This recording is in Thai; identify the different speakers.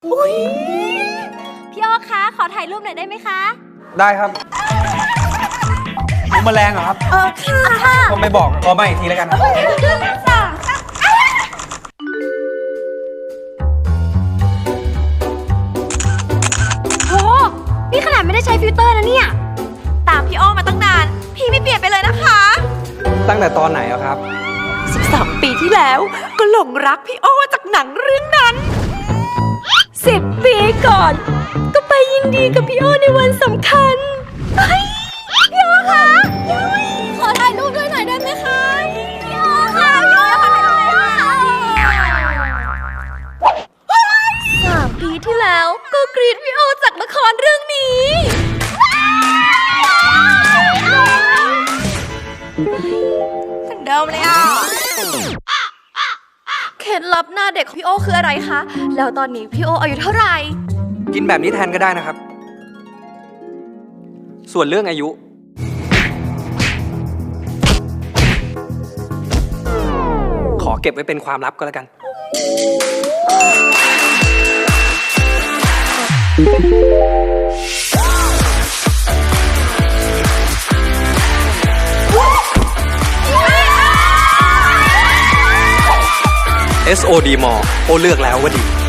Speaker 1: อุ๊ยพี่อ้อคะขอถ่ายรูปหน่อยได้ไหมคะ
Speaker 2: ได้ครับมุมแมลงเหรอครับ
Speaker 1: ค่ะ
Speaker 2: ก็ไม่บอกขอมาอีกทีแล้วกัน
Speaker 1: โหนี่ขนาดไม่ได้ใช้ฟิลเตอร์นะเนี่ยตามพี่อ้อมาตั้งนานพี่ไม่เปลี่ยนไปเลยนะคะ
Speaker 2: ตั้งแต่ตอนไหนอะครับ
Speaker 3: 13 ปีที่แล้วก็หลงรักพี่อ้อจากหนังเรื่องนั้น10 ปีก่อนก็ไปยินดีกับพี่อ้อในวันสำคัญ
Speaker 1: พี่อ้อคะขอถ่ายรูปด้วยหน่อยได้ไหมคะพี่อ้อค่ะพี่อ้อขอถ่ายรูป3 ปีที่แล้วก็กรีดพี่อ้อจากละครเรื่องนี้เหมือนเดิมเลยอ่ะเคล็ดลับหน้าเด็กของพี่โอคืออะไรคะแล้วตอนนี้พี่โออายุเท่าไหร่
Speaker 2: กินแบบนี้แทนก็ได้นะครับส่วนเรื่องอายุขอเก็บไว้เป็นความลับก็แล้วกันSOD มอโอเลือกแล้วว่าดี